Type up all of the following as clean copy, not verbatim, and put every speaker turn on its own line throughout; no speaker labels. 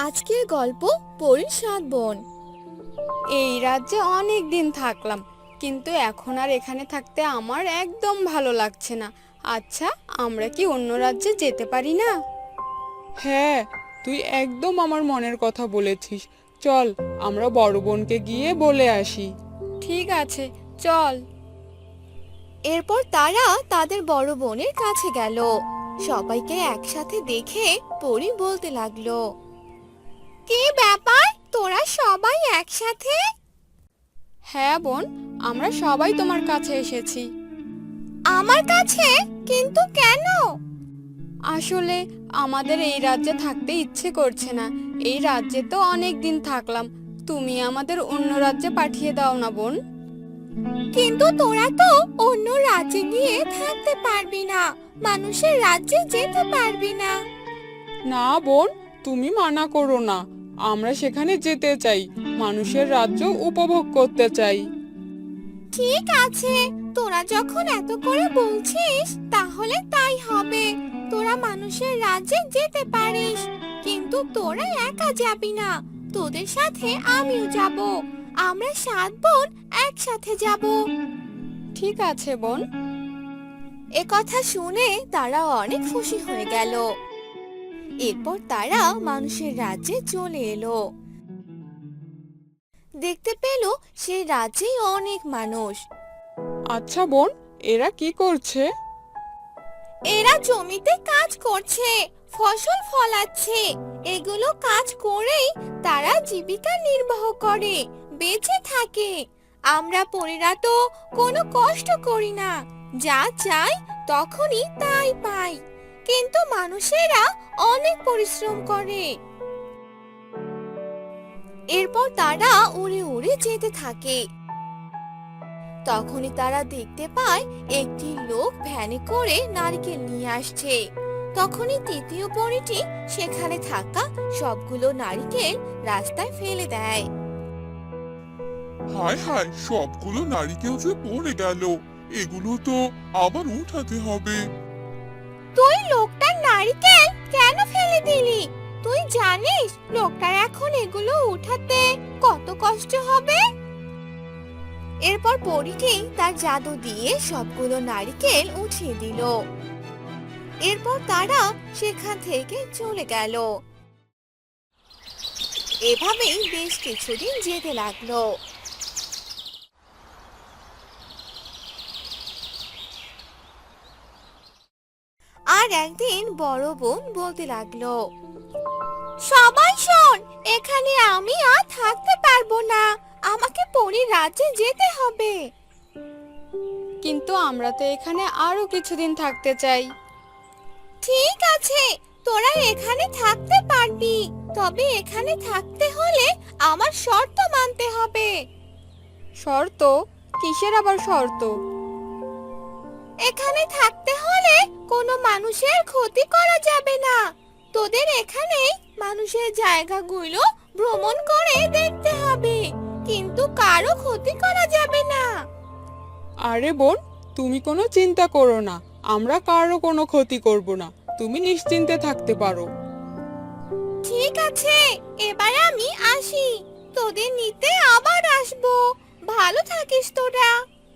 আজকের গল্প পরীর সাত বোন।
এই রাজ্যে অনেক দিন থাকলাম, কিন্তু এখন আর এখানে থাকতে আমার একদম ভালো লাগছে না। আচ্ছা, আমরা কি অন্য রাজ্যে যেতে পারি না?
হ্যাঁ, তুই একদম আমার মনের কথা বলেছিস। চল, আমরা বড় বোনকে গিয়ে বলে আসি।
ঠিক আছে, চল।
এরপর তারা তাদের বড় বোনের কাছে গেল। সবাইকে একসাথে দেখে পরী বলতে লাগলো, কি ব্যাপার, তোরা সবাই একসাথে?
হ্যাঁ বোন, আমরা সবাই তোমার কাছে এসেছি।
আমার কাছে? কিন্তু কেন?
আসলে আমাদের এই রাজ্যে থাকতে ইচ্ছে করছে না। এই রাজ্যে তো অনেক দিন থাকলাম, তুমি আমাদের অন্য রাজ্যে পাঠিয়ে দাও না বোন।
কিন্তু তোরা তো অন্য রাজ্যে গিয়ে থাকতে পারবি না, মানুষের রাজ্যে যেতে পারবি না।
না বোন, তুমি মানা করো না। আমরা সেখানে যেতে চাই, মানুষের রাজ্য উপভোগ করতে চাই।
ঠিক আছে, তোরা যখন এত করে বলছিস তাহলে তাই হবে। তোরা মানুষের রাজ্যে যেতে পারিস, কিন্তু তোরা একা যাবি না, তোদের সাথে আমিও যাব। আমরা সাত বোন একসাথে যাব।
ঠিক আছে বোন।
এ কথা শুনে তারা অনেক খুশি হয়ে গেল। এরপর তারা মানুষের রাজ্যে চলে এলো। দেখতে পেল সেই রাজ্যে অনেক মানুষ।
আচ্ছা বোন, এরা কি করছে?
এরা জমিতে কাজ করছে, ফসল ফলাচ্ছে। এগুলো কাজ করেই তারা জীবিকা নির্বাহ করে, বেঁচে থাকে। আমরা পরীরা তো কোনো কষ্ট করি না, যা চাই তখনই তাই পাই। কিন্তু মানুষেরা অনেক পরিশ্রম করে। এরপর তারা উড়ে উড়ে যেতে থাকে। তখনই তারা দেখতে পায় একটি লোক ভ্যানে করে নারকেল নিয়ে আসছে। তখনই তৃতীয় পরীটি সেখানে থাকা সবগুলো নারকেল রাস্তায় ফেলে দেয়।
হায় হায়, সবগুলো নারকেল যে পড়ে গেল। এগুলো তো আবার উঠাতে হবে।
তুই লোকটার নারকেল কেন ফেলে দিলি? তুই জানিস লোকটার এখন এগুলো উঠাতে কত কষ্ট হবে? এরপর পরীটি তার জাদু দিয়ে সবগুলো নারকেল উঠিয়ে দিল। এরপর তারা সেখান থেকে চলে গেল। এভাবেই বেশ কিছুদিন যেতে লাগলো। আর একদিন বড় বোন বলতে লাগলো, সবাই শোন, এখানে আমি আর থাকতে পারবো না, আমাকে পরীর রাজ্যে যেতে হবে।
কিন্তু আমরা তো এখানে আরো কিছুদিন থাকতে চাই।
ঠিক আছে, তোরা এখানে থাকতে পারবি, তবে এখানে থাকতে হলে আমার শর্ত মানতে হবে।
শর্ত? কিসের আবার শর্ত?
এখানে থাকতে হলে কোনো মানুষের ক্ষতি করা যাবে না। তোদের এখানেই মানুষের জায়গাগুলো ভ্রমণ করে দেখতে হবে, কিন্তু কারো ক্ষতি করা যাবে না।
আরে বোন, তুমি কোনো চিন্তা করো না, আমরা কারো কোনো ক্ষতি করব না। তুমি নিশ্চিন্তে থাকতে পারো।
ঠিক আছে, এবার আমি আসি, তোদের নিতে আবার আসবো। ভালো থাকিস তোরা।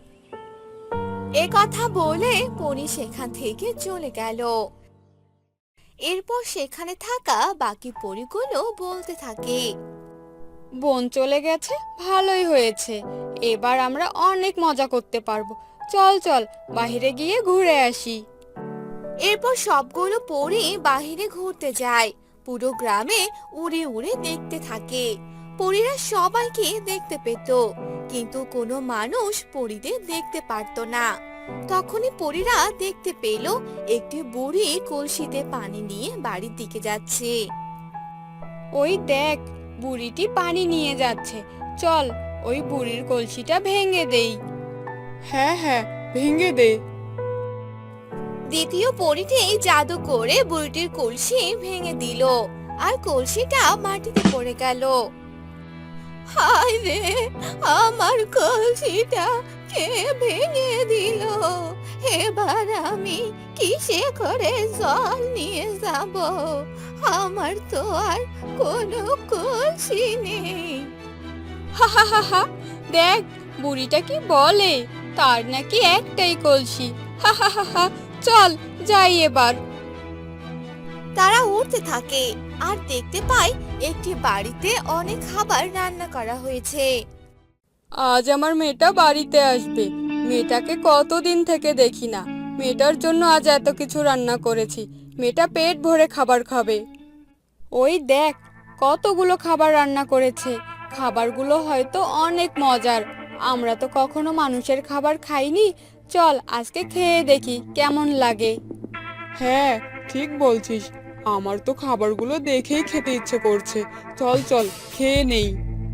এ কথা বলে পরী সেখান থেকে চলে গেল। এরপর সেখানে থাকা বাকি পরীগুলো বলতে থাকে,
বোন চলে গেছে, ভালোই হয়েছে। এবার আমরা অনেক মজা করতে পারবো। চল চল, বাইরে গিয়ে ঘুরে আসি।
এরপর সবগুলো পরী বাহিরে ঘুরতে যায়, পুরো গ্রামে উড়ে উড়ে দেখতে থাকে। পরীরা সবাইকে দেখতে পেত, কিন্তু কোনো মানুষ পরীদের দেখতে পারতো না। তখনই পরীরা দেখতে পেল একটি বুড়ি কলসিতে পানি নিয়ে বাড়ির দিকে যাচ্ছে।
ওই দেখ, বুড়িটি পানি নিয়ে যাচ্ছে। চল, ওই বুড়ির কলসিটা ভেঙে দেই।
হ্যাঁ হ্যাঁ, ভেঙে দে।
দ্বিতীয় পরীটি জাদু করে বুড়িটির কলসি ভেঙে দিল, আর কলসিটা মাটিতে পড়ে গেল। হায় রে, আমার কলসিটা কে ভেঙে দিল? এবার আমি কিসে করে জল নিয়ে যাব? আমার তো আর কোনো কলসি নেই।
হা হা হা হা, দেখ বুড়িটা কি বলে, তার নাকি একটাই কলসি। হা হা হা হা, চল যাই এবার।
তারা উঠতে থাকে আর দেখতে পায় একটি বাড়িতে অনেক খাবার রান্না করা হয়েছে।
আজ আমার মেয়েটা বাড়িতে আসবে, মেয়েটাকে কতদিন থেকে দেখি না, মেয়েটার জন্য আজ এত কিছু রান্না করেছি, মেয়েটা পেট ভরে খাবার খাবে। ওই দেখ কতগুলো খাবার রান্না করেছে, খাবারগুলো হয়তো অনেক মজার, আমরা তো কখনো মানুষের খাবার খাইনি, চল আজকে খেয়ে দেখি কেমন লাগে।
হ্যাঁ, ঠিক বলছিস, আমার তো খাবারগুলো দেখেই খেতে ইচ্ছে করছে। চল চল খেয়ে নেই।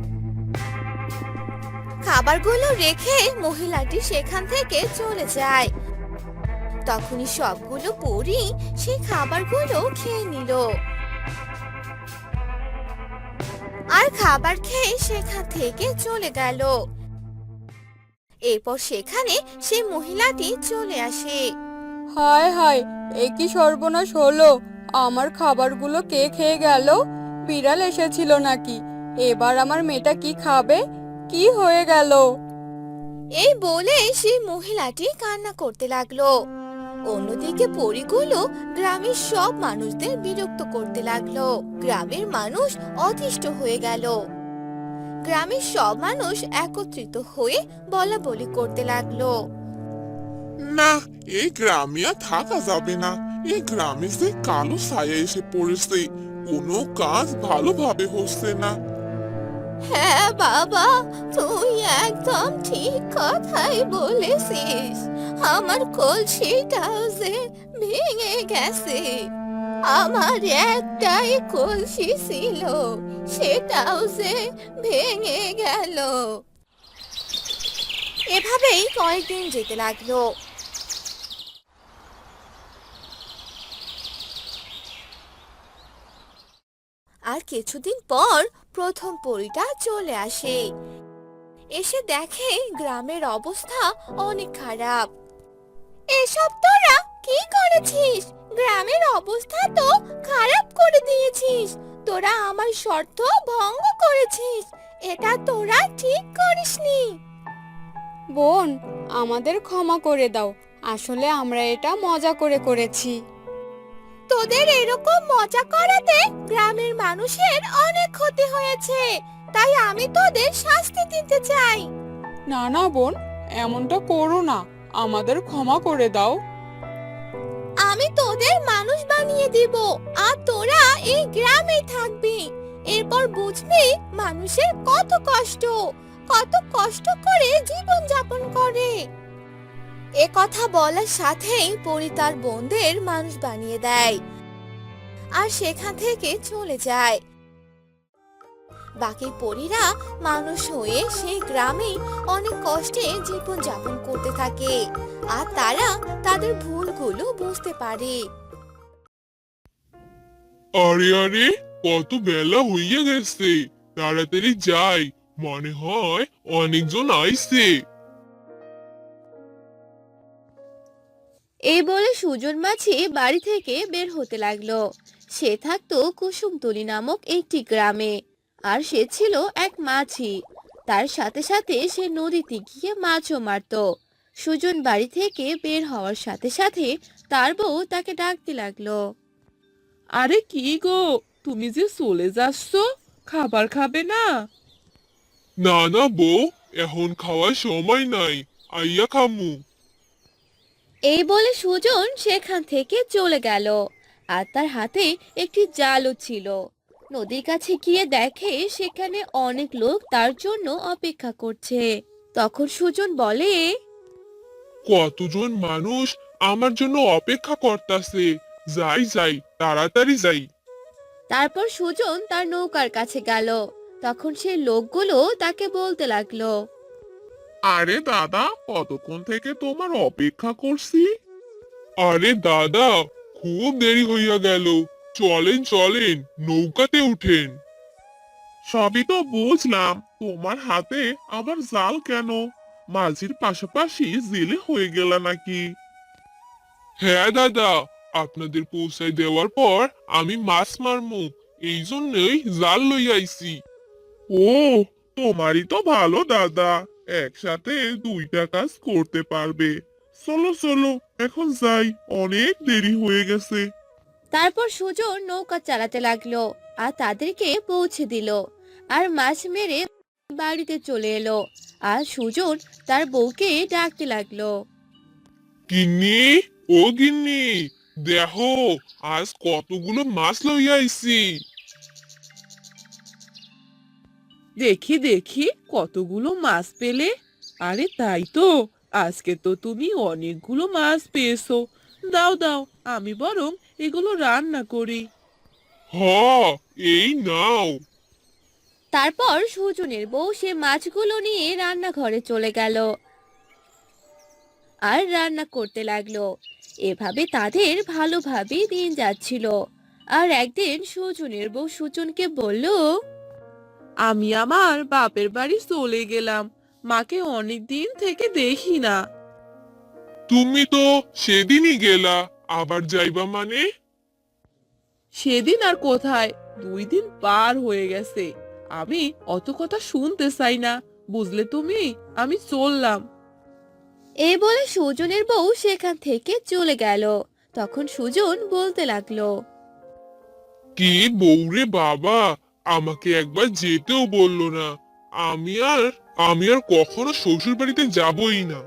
খাবারগুলো রেখে মহিলাটি সেখান থেকে চলে যায়। তখনই সবগুলো পরী সেই খাবারগুলো খেয়ে নিল আর খাবার খেয়ে সেখান থেকে চলে গেল। এরপর সেখানে সেই মহিলাটি চলে আসে।
হায় হায়, এ কি সর্বনাশ হলো, আমার খাবারগুলো কে খেয়ে গেল? বিড়াল এসেছিল নাকি? এবার আমার মেয়েটা কি খাবে? কি হয়ে গেল?
এই বলে সেই মহিলাটি কান্না করতে লাগলো। অন্যদিকে পরীগুলো গ্রামের সব মানুষদের বিরক্ত করতে লাগলো। গ্রামের মানুষ অতিষ্ঠ হয়ে গেল। গ্রামের সব মানুষ একত্রিত হয়ে বলাবলি করতে লাগলো।
না, এই গ্রামে আর থাকা যাবে না। এই গ্রামে যে কালো ছায়া এসে পড়েছে, কোনো কাজ ভালোভাবে হচ্ছে না।
হ্যাঁ বাবা, তুই একদম ঠিক কথাই বলেছিস। আমার কলসিটাও যে ভেঙে গেছে। আমার একটাই কলসি ছিল, সেটাও যে ভেঙে গেল। এভাবেই কয়েকদিন যেতে লাগলো। আর কিছুদিন পর প্রথম পরীটা চলে আসে। এসে দেখে গ্রামের অবস্থা অনেক খারাপ। এসব তোরা কি করেছিস? গ্রামের অবস্থা তো খারাপ করে দিয়েছিস। তোরা আমার শর্ত ভঙ্গ করেছিস, এটা তোরা ঠিক করিসনি।
বোন, আমাদের ক্ষমা করে দাও, আসলে আমরা এটা মজা করে করেছি।
তোদের এরকম মজা করাতে গ্রামের মানুষের অনেক ক্ষতি হয়েছে, তাই আমি তোদের শাস্তি দিতে চাই।
না না বোন, এমনটা করো না, আমাদের ক্ষমা করে দাও।
আমি তোদের মানুষ বানিয়ে দিব আর তোরা এই গ্রামেই থাকবি। এরপর বুঝবি মানুষের কত কষ্ট করে জীবন যাপন করে। এ কথা বলার সাথেই পরি তার বোনদের মানুষ বানিয়ে দেয় আর সেখান থেকে চলে যায়। বাকি পরীরা মানুষ হয়ে সেই গ্রামে অনেক কষ্টে জীবন যাপন করতে থাকে আর তারা তাদের ভুলগুলো বুঝতে পারে।
আরে আরে, কত বেলা হইয়া গেছে, তাড়াতাড়ি যাই, মনে হয় অনেকজন আইছে।
এই বলে সুজন মাছি বাড়ি থেকে বের হতে লাগলো। সে থাকতো কুসুমতলি নামক একটি গ্রামে, আর সে ছিল এক মাছি। তার সাথে সাথে সে নদীতে গিয়ে মাছও মারতো। সুজন বাড়ি থেকে বের হওয়ার সাথে সাথে তার বউ তাকে ডাকতে লাগলো।
আরে কি গো, তুমি যে চলে যাচ্ছ, খাবার খাবে না?
না না বউ, এখন খাওয়ার সময় নাই, আইয়া খামু।
এই বলে সুজন সেখান থেকে চলে গেল আর তার হাতে একটি জালও ছিল। নদীর কাছে গিয়ে দেখে সেখানে অনেক লোক তার জন্য অপেক্ষা করছে। তখন সুজন বলে,
কতজন মানুষ আমার জন্য অপেক্ষা করতাছে, যাই যাই, তাড়াতাড়ি যাই।
তারপর সুজন তার নৌকার কাছে গেল। তখন সেই লোকগুলো তাকে বলতে লাগলো,
আরে দাদা, কতক্ষণ থেকে তোমার অপেক্ষা করছি। আরে দাদা, খুব দেরি হইয়া গেল, চলেন চলেন, নৌকাতে উঠেন। সবই তো বুঝলাম, তোমার হাতে আবার জাল কেন? মাঝির পাশাপাশি জেলে হয়ে গেল নাকি? হ্যাঁ দাদা, আপনাদের পৌঁছায় দেওয়ার পর আমি মাছ মারমু, এই জন্যই জাল লই আইছি। ও, তোমারই তো ভালো দাদা, একসাথে দুইটা কাজ করতে পারবে। চলো চলো, এখন যাই, অনেক দেরি হয়ে গেছে।
তারপর সুজন নৌকা চালাতে লাগলো আর তাদেরকে পৌঁছে দিল, আর মাছ মেরে বাড়িতে চলে এলো। আর সুজন তার বউকে ডাকতে লাগলো।
গিন্নি, ও গিন্নি, দেখো আজ কতগুলো মাছ লইয়া আইছি।
দেখি দেখি কতগুলো মাছ পেলে। আরে তাই তো, আজকে তো তুমি অনেকগুলো মাছ পেয়েছো। দাও দাও, আমি বরং এগুলো রান্না করি।
হ, এই নাও।
তারপর সুজনের বউ সে মাছগুলো নিয়ে রান্নাঘরে চলে গেল আর রান্না করতে লাগলো। এভাবে তাদের ভালোভাবেই দিন যাচ্ছিল। আর একদিন সুজনের বউ সুজনকে বলল,
আমি আমার বাপের বাড়ি চলে গেলাম, মাকে অনেক দিন থেকে দেখি না।
তুমি তো সেদিনই গেলা, আবার যাইবা মানে?
সেদিন আর কোথায়, 2 দিন পার হয়ে গেছে। আমি অত কথা শুনতে চাই না, বুঝলে তুমি, আমি চললাম।
এই বলে সুজনের বউ সেখান থেকে চলে গেল। তখন সুজন বলতে লাগলো,
কি বউরে বাবা, আমাকে একবার যেতেও বললো না। আমি আর আমি আর কখনো শ্বশুর বাড়িতে যাবই না।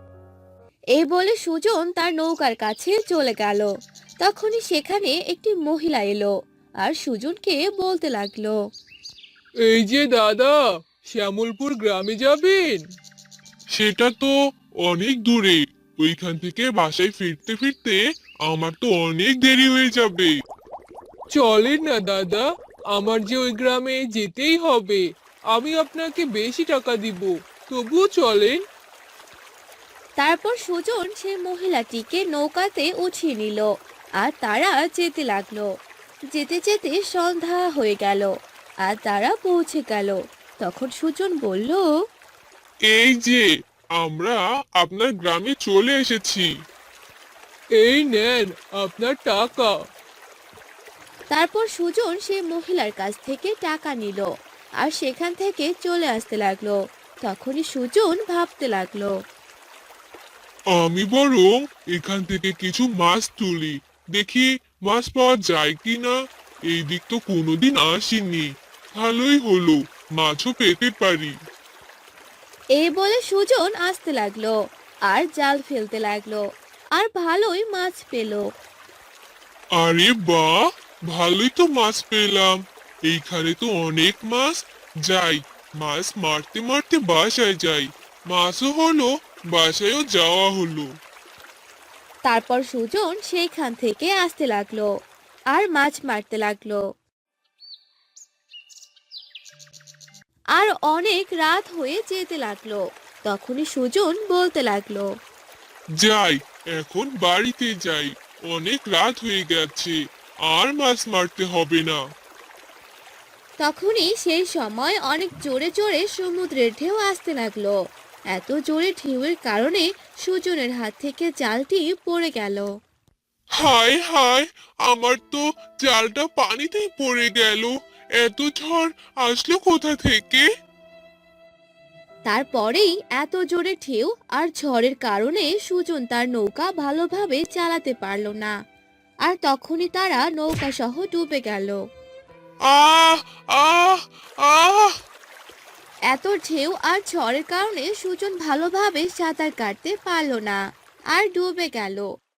এই বলে সুজন তার নৌকার কাছে চলে গেল। তখনই সেখানে একটি মহিলা এলো আর সুজনকে বলতে লাগলো,
এই যে দাদা, শ্যামলপুর গ্রামে যাবেন?
সেটা তো অনেক দূরে, ওইখান থেকে বাসায় ফিরতে ফিরতে আমার তো অনেক দেরি হয়ে যাবে।
চলেন না দাদা, আমার যে ওই গ্রামে যেতেই হবে। আমি আপনাকে বেশি টাকা দিব, তবুও চলেন।
তারপর সুজন সেই মহিলাটিকে নৌকাতে উঠিয়ে নিল আর তারা যেতে লাগলো। যেতে যেতে সন্ধ্যা হয়ে গেল আর তারা পৌঁছে গেল। তখন সুজন বলল,
এই যে, আমরা আপনার গ্রামে চলে এসেছি।
এই নেন আপনার টাকা।
তারপর সুজন সেই মহিলার কাছ থেকে টাকা নিল আর সেখান থেকে চলে আসতে লাগলো। তখনই সুজন ভাবতে লাগলো,
আমি বরং এখান থেকে কিছু মাছ তুলি, দেখি মাছ পাওয়া যায় কিনা। এই দিক তো কোনোদিন আসিনি, ভালোই হলো, মাছও পেতে পারি।
এই বলে সুজন আসতে লাগলো আর জাল ফেলতে লাগলো আর ভালোই মাছ পেল।
আরে বাহ, ভালোই তো মাছ পেলাম, এইখানে তো অনেক মাছ। যাই, মাছ মারতে মারতে বাসায় যাই, মাছও হলো, বাসায়ও যাওয়া হলো।
তারপর সুজন সেইখান থেকে আসতে লাগলো আর মাছ মারতে লাগলো। আর অনেক রাত হয়ে যেতে লাগলো। তখনই সুজন বলতে লাগলো,
যাই, এখন বাড়িতে যাই, অনেক রাত হয়ে গেছে, আর মাছ মারতে হবে না।
তখনই সেই সময় অনেক জোরে জোরে সমুদ্রের ঢেউ আসতে লাগলো। এত জোরে ঢেউয়ের কারণে সুজনের হাত থেকে জালটি পড়ে গেল।
হায় হায়, আমার তো জালটা পানিতেই পড়ে গেল। এত ঝড় আসলো কোথা থেকে?
তারপরেই এত জোরে ঢেউ আর ঝড়ের কারণে সুজন তার নৌকা ভালোভাবে চালাতে পারলো না। আর তখনই তারা নৌকা সহ ডুবে গেল।
আহ আহ আহ
এত ঢেউ আর ঝড়ের কারণে সুজন ভালোভাবে সাঁতার কাটতে পারলো না আর ডুবে গেল।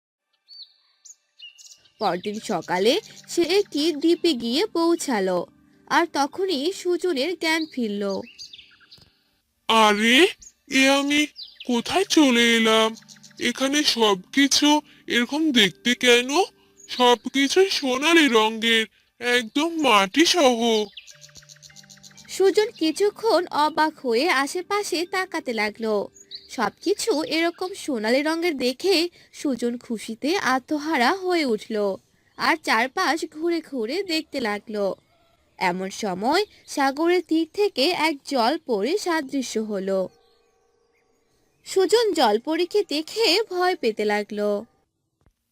পরদিন সকালে সে একটি দ্বীপে গিয়ে পৌঁছালো আর তখনই সুজনের জ্ঞান ফিরল।
আরে, এ আমি কোথায় চলে এলাম? এখানে সবকিছু এরকম দেখতে কেন? সবকিছুই সোনালী রঙের, একদম মাটি সহ।
সুজন কিছুক্ষণ অবাক হয়ে আশেপাশে তাকাতে লাগলো। সবকিছু এরকম সোনালী রঙের দেখে সুজন খুশিতে আত্মহারা হয়ে উঠল আর চারপাশ ঘুরে ঘুরে দেখতে লাগলো। এমন সময় সাগরের তীর থেকে এক জলপরী সাদৃশ্য হলো। সুজন জলপরীকে দেখে ভয় পেতে লাগলো।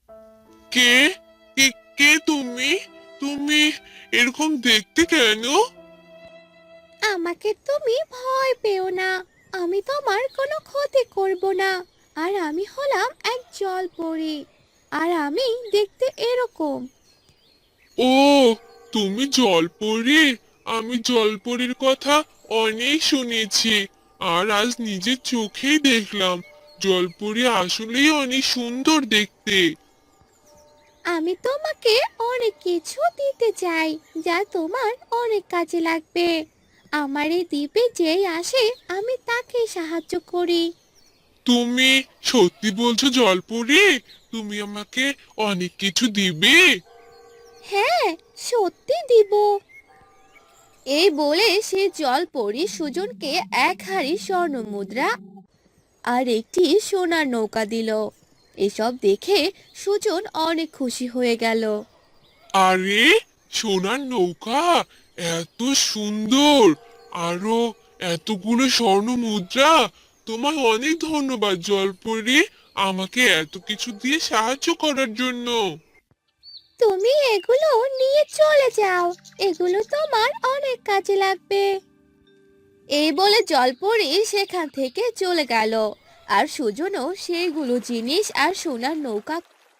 কে কে কে তুমি তুমি এরকম দেখতে কেন?
আমাকে তুমি ভয় পেও না, আমি তোমার কোনো ক্ষতি করব না। আর আমি হলাম এক জলপরি, আর আমি দেখতে এরকম।
ও, তুমি জলপরি। আমি জলপরির কথা অনেক শুনেছি, আর আজ নিজের চোখেই দেখলাম জলপরি আসলেই অনেক সুন্দর দেখতে।
আমি তোমাকে অনেক কিছু দিতে চাই, যা তোমার অনেক কাজে লাগবে। আমার এই দ্বীপে যেই আসে আমি তাকে সাহায্য করি।
তুমি সত্যি বলছো জলপরি? তুমি আমাকে অনেক কিছু দিবে?
হ্যাঁ, সত্যি দিব। এই বলে সে জলপরি সুজনকে এক হাড়ি স্বর্ণ মুদ্রা আর একটি সোনার নৌকা দিল। এসব দেখে সুজন অনেক খুশি হয়ে গেল।
আরে, সোনার নৌকা! এত সুন্দর! আরো এতগুলো স্বর্ণ মুদ্রা! তোমায় অনেক ধন্যবাদ জলপরি, আমাকে এত কিছু দিয়ে সাহায্য করার জন্য।
তুমি এগুলো নিয়ে চলে যাও, এগুলো তোমার অনেক কাজে লাগবে। এই বলে জলপরি সেখান থেকে চলে গেল। আর সুজনও সেইগুলো জিনিস আর সোনার নৌকা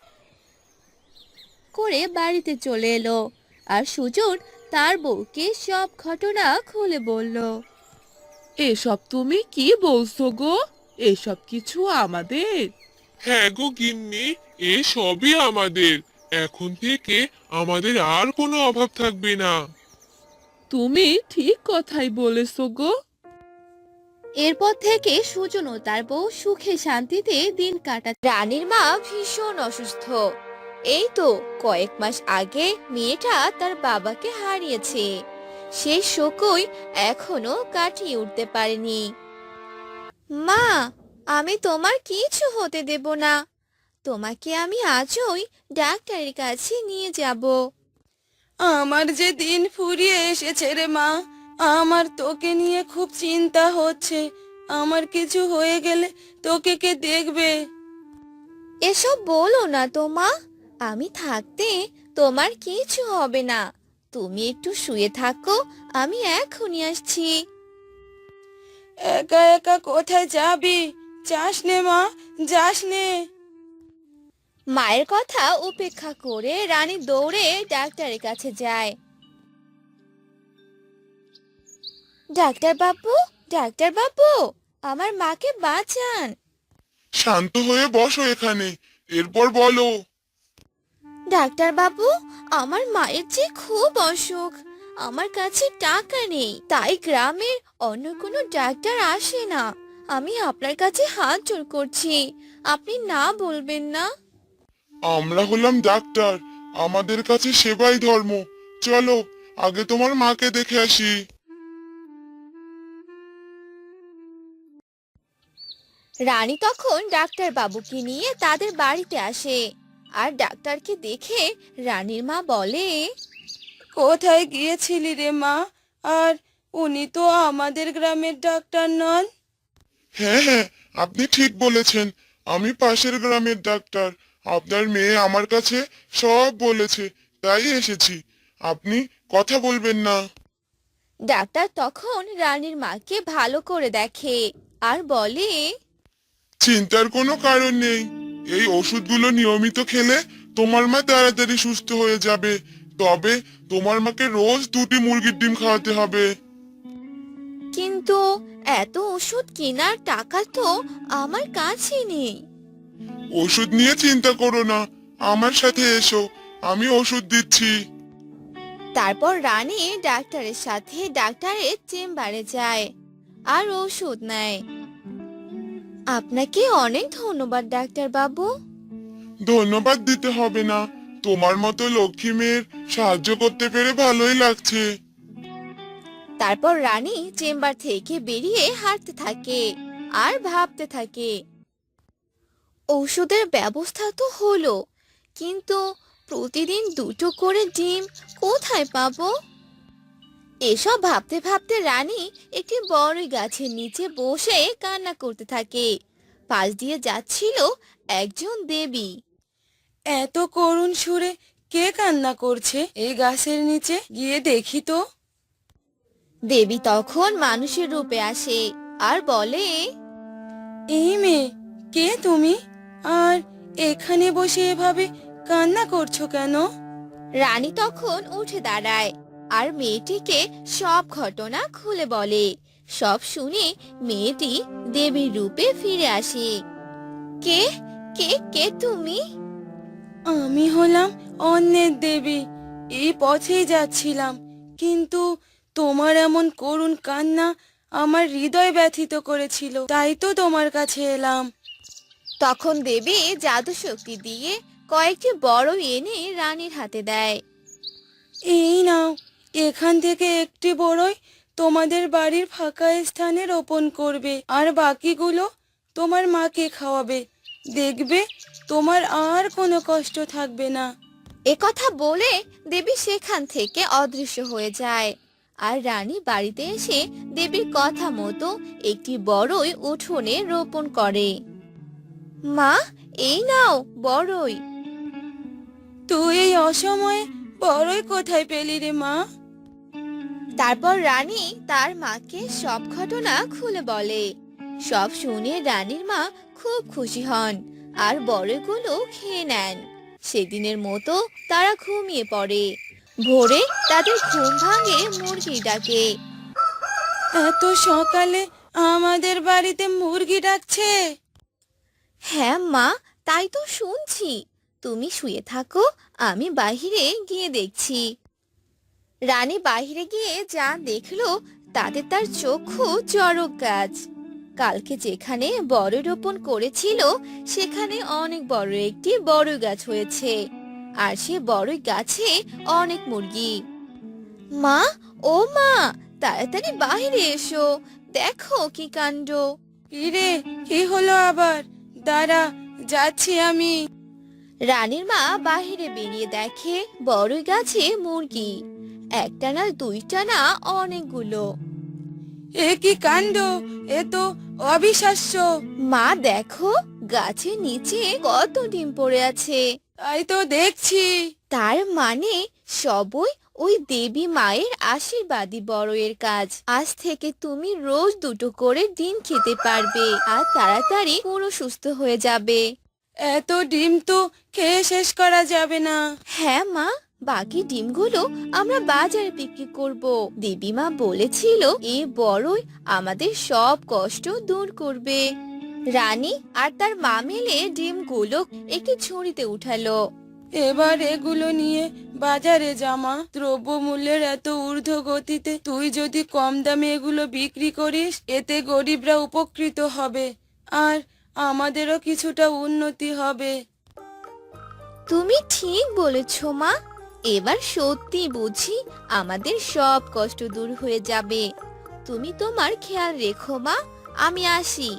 করে বাড়িতে চলে এলো। আর সুজন তার বউকে সব ঘটনা খুলে বলল।
এসব তুমি কি বলছো গো? এসব কিছু আমাদের?
হ্যাঁ গো গিন্নি, এ সবই আমাদের। এখন থেকে আমাদের আর কোনো অভাব থাকবে না।
তুমি ঠিক কথাই বলেছো গো।
এরপর থেকে সুজন ও তার বউ সুখে শান্তিতে দিন কাটা। রানীর মা ভীষণ অসুস্থ। এই তো কয়েক মাস আগে মেয়েটা তার বাবাকে হারিয়েছে। সেই শোকই এখনো কাটিয়ে উঠতে পারেনি। মা, আমি তোমার কিছু হতে দেব না। তোমাকে আমি আজই ডাক্তারের কাছে নিয়ে যাব।
আমার যে দিন ফুরিয়ে এসেছে রে মা, আমার তোকে নিয়ে খুব চিন্তা হচ্ছে। আমার কিছু হয়ে গেলে তোকে কে দেখবে?
এসব বলো না তো মা, আমি থাকতে তোমার কিছু হবে না। তুমি একটু শুয়ে থাকো, আমি এখনই আসছি।
একা একা কোথায় যাবি? যাস নে মা, যাস নে।
মায়ের কথা উপেক্ষা করে রানী দৌড়ে ডাক্তারের কাছে যায়। ডাক্তার বাবু, ডাক্তার বাবু, আমার মাকে বাঁচান।
শান্ত হয়ে বসো এখানে, এরপর বলো।
ডাক্তার বাবু, আমার মায়ের যে খুব অসুখ। আমার কাছে টাকা নেই, তাই গ্রামের অন্য কোনো ডাক্তার আসে না। আমি আপনার কাছে হাত জোড় করছি, আপনি না বলবেন না।
আমরা হলাম ডাক্তার, আমাদের কাছে সেবাই ধর্ম। চলো, আগে তোমার মাকে দেখে আসি।
রানী তখন ডাক্তার বাবুকে নিয়ে তাদের বাড়িতে আসে। আর ডাক্তারকে দেখে রানীর মা বলে,
কোথায় গিয়েছিলি রে মা? আর উনি তো আমাদের গ্রামের ডাক্তার নন।
হ্যাঁ হ্যাঁ, আপনি ঠিক বলেছেন, আমি পাশের গ্রামের ডাক্তার। আপনার মেয়ে আমার কাছে সব বলেছে, তাই এসেছি। আপনি কথা বলবেন না।
ডাক্তার তখন রানীর মাকে ভালো করে দেখে আর বলে,
চিন্তার কোনো কারণ নেই, এই ওষুধগুলো নিয়মিত খেলে তোমার মা তাড়াতাড়ি সুস্থ হয়ে যাবে। তবে তোমার মাকে রোজ 2টি মুরগির ডিম খাওয়াতে হবে।
কিন্তু এত ওষুধ কেনার টাকা তো আমার কাছে নেই।
ওষুধ নিয়ে চিন্তা করো না, আমার সাথে এসো, আমি ওষুধ দিচ্ছি।
তারপর রানী ডাক্তারের সাথে ডাক্তারের চেম্বারে যায় আর ওষুধ নেয়। আপনাকে অনেক ধন্যবাদ ডাক্তার বাবু।
ধন্যবাদ দিতে হবে না, তোমার মতো লক্ষ্মী মেয়ের সাহায্য করতে পেরে ভালোই লাগছে।
তারপর রানী চেম্বার থেকে বেরিয়ে হাঁটতে থাকে আর ভাবতে থাকে। ঔষধের ব্যবস্থা তো হলো, কিন্তু প্রতিদিন 2টো করে ডিম কোথায় পাবো? এসব ভাবতে ভাবতে রানী একটি বড়ই গাছের নিচে বসে কান্না করতে থাকে। পাশ দিয়ে যাচ্ছিল একজন দেবী।
এত করুণ সুরে কে কান্না করছে এই গাছের নিচে? গিয়ে দেখি তো।
দেবী তখন মানুষের রূপে আসে আর বলে,
এই মেয়ে, কে তুমি? আর এখানে বসে এভাবে কান্না করছো কেন?
রানী তখন উঠে দাঁড়ায় আর মেয়েটিকে সব ঘটনা খুলে বলে। সব শুনে মেয়েটি দেবীর রূপে ফিরে আসে। কে কে কে তুমি?
আমি হলাম অন্যের দেবী। এই পথেই যাচ্ছিলাম, কিন্তু তোমার এমন করুণ কান্না আমার হৃদয় ব্যথিত করেছিল, তাই তো তোমার কাছে এলাম।
তখন দেবী জাদু শক্তি দিয়ে কয়েকটি বড় এনে রানীর হাতে দেয়।
এই নাও, এখান থেকে একটি বড়ই তোমাদের বাড়ির ফাঁকা স্থানে রোপণ করবে, আর বাকিগুলো তোমার মাকে খাওয়াবে। দেখবে তোমার আর কোনো কষ্ট থাকবে না।
একথা বলে দেবী সেখান থেকে অদৃশ্য হয়ে যায়। আর রানী বাড়িতে এসে দেবীর কথা মতো একটি বড়ই উঠোনে রোপণ করে। মা, এই নাও বড়ই।
তুই এই অসময়ে বড়ই কোথায় পেলি রে মা?
তারপর রানী তার মাকে সব ঘটনা খুলে বলে। সব শুনে রানীর মা খুব খুশি হন আর বড়ইগুলো খেয়ে নেন। সেদিনের মতো তারা ঘুমিয়ে পড়ে। ভোরে তাদের ঘুম ভাঙে মুরগির ডাকে।
এত সকালে আমাদের বাড়িতে মুরগি ডাকছে?
হ্যাঁ মা, তাই তো শুনছি। তুমি শুয়ে থাকো, আমি বাইরে গিয়ে দেখছি। রানী বাইরে গিয়ে যা দেখলো তাতে তার চক্ষু চড়ক গাছ। কালকে যেখানে বড়ই রোপণ করেছিল সেখানে অনেক বড় একটি বড়ই গাছ হয়েছে, আর সে বড়ই গাছে অনেক মুরগি। মা, ও মা, তাড়াতাড়ি বাইরে এসো, দেখো কি কাণ্ড।
কিরে, কি হলো আবার? দাঁড়া, যাচ্ছি আমি।
রানীর মা বাহিরে বেরিয়ে দেখে বড়ই গাছে মুরগি, একটা না দুইটা না অনেকগুলো।
এ কি কাণ্ড! এ তো অবিশ্বাস্য।
মা দেখো, গাছের নিচে কত ডিম পড়ে আছে।
তাই তো দেখছি।
তার মানে সবই ওই দেবী মায়ের আশীর্বাদী বড়ইয়ের কাজ। আজ থেকে তুমি রোজ দুটো করে ডিম খেতে পারবে আর তাড়াতাড়ি পুরো সুস্থ হয়ে যাবে।
এত ডিম তো খেয়ে শেষ করা যাবে না।
হ্যাঁ মা, বাকি ডিমগুলো আমরা বাজারে বিক্রি করব। দেবী মা বলেছিল এই বড়ই আমাদের সব কষ্ট দূর করবে। রানী আর তার মা মিলে ডিমগুলো একটি ঝুড়িতে উঠালো।
এবার এগুলো নিয়ে বাজারে জামা। দ্রব্যমূল্যের এত ঊর্ধ্ব গতিতে তুই যদি কম দামে এগুলো বিক্রি করিস, এতে গরিবরা উপকৃত হবে আর আমাদেরও কিছুটা উন্নতি হবে।
তুমি ঠিক বলেছ মা, এবার সত্যি বুঝি আমাদের সব কষ্ট দূর হয়ে যাবে। তুমি তোমার খেয়াল রেখো মা, আমি আসি।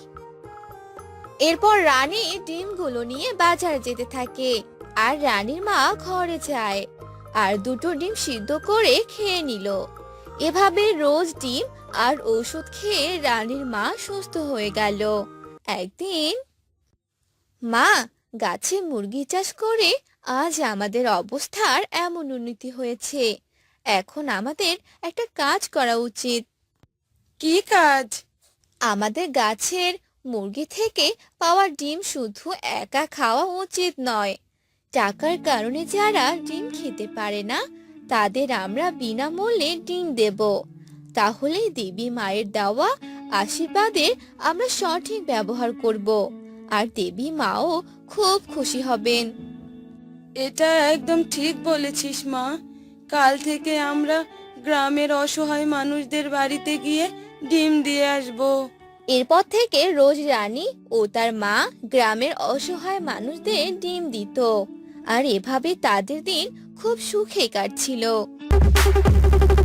এরপর রানী ডিমগুলো নিয়ে বাজারে যেতে থাকে আর রানীর মা ঘরে যায় আর দুটো ডিম সিদ্ধ করে খেয়ে নিল। এভাবে রোজ ডিম আর ওষুধ খেয়ে রানীর মা সুস্থ হয়ে গেল। একদিন, মা, গাছে মুরগি চাষ করে আজ আমাদের অবস্থার এমন উন্নতি হয়েছে। এখন আমাদের একটা কাজ করা উচিত।
কি কাজ?
আমাদের গাছের মুরগি থেকে পাওয়া ডিম শুধু একা খাওয়া উচিত নয়। টাকার কারণে যারা ডিম খেতে পারে না তাদের আমরা বিনামূল্যে ডিম দেব। তাহলে দেবী মায়ের দেওয়া আশীর্বাদের আমরা সঠিক ব্যবহার করব আর দেবী মাও খুব খুশি হবেন।
এটা একদম ঠিক বলেছিস মা। কাল থেকে আমরা গ্রামের অসহায় মানুষদের বাড়িতে গিয়ে ডিম দিয়ে আসবো।
এরপর থেকে রোজ রানী ও তার মা গ্রামের অসহায় মানুষদের ডিম দিত আর এভাবে তাদের দিন খুব সুখে কাটছিল।